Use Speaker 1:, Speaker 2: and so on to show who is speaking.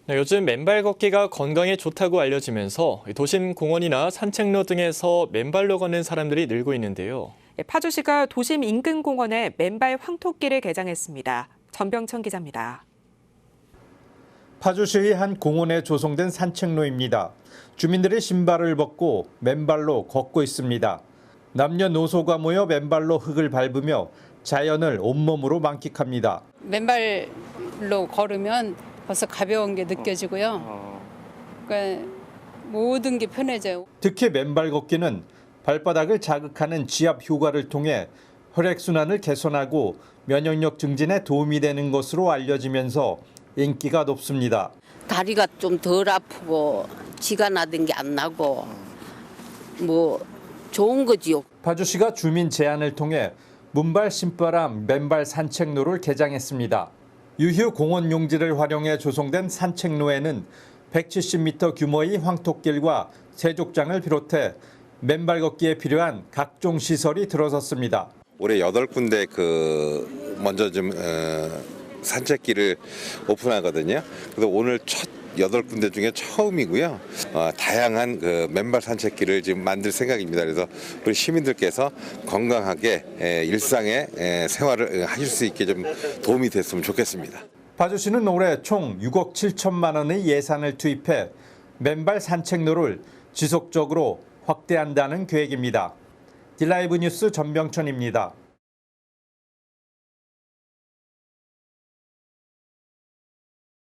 Speaker 1: 네, 요즘 맨발 걷기가 건강에 좋다고 알려지면서 도심 공원이나 산책로 등에서 맨발로 걷는 사람들이 늘고 있는데요.
Speaker 2: 파주시가 도심 인근 공원에 맨발 황토길을 개장했습니다. 전병천 기자입니다.
Speaker 3: 파주시의 한 공원에 조성된 산책로입니다. 주민들이 신발을 벗고 맨발로 걷고 있습니다. 남녀노소가 모여 맨발로 흙을 밟으며 자연을 온몸으로 만끽합니다.
Speaker 4: 맨발로 걸으면 벌써 가벼운 게 느껴지고요. 그러니까 모든 게 편해져요.
Speaker 3: 특히 맨발 걷기는 발바닥을 자극하는 지압 효과를 통해 혈액순환을 개선하고 면역력 증진에 도움이 되는 것으로 알려지면서 인기가 높습니다.
Speaker 5: 다리가 좀 덜 아프고 지가 나던 게 안 나고 뭐 좋은 거지요.
Speaker 3: 파주시가 주민 제안을 통해 문발 신바람 맨발 산책로를 개장했습니다. 유휴 공원 용지를 활용해 조성된 산책로에는 170m 규모의 황토길과 세족장을 비롯해 맨발 걷기에 필요한 각종 시설이 들어섰습니다.
Speaker 6: 올해 8군데 먼저 좀 산책길을 오픈하거든요. 그래서 오늘 첫 8군데 중에 처음이고요. 다양한 맨발 산책길을 지금 만들 생각입니다. 그래서 우리 시민들께서 건강하게 일상의 생활을 하실 수 있게 좀 도움이 됐으면 좋겠습니다.
Speaker 3: 파주시는 올해 총 6억 7천만 원의 예산을 투입해 맨발 산책로를 지속적으로 확대한다는 계획입니다. 딜라이브 뉴스 전병천입니다.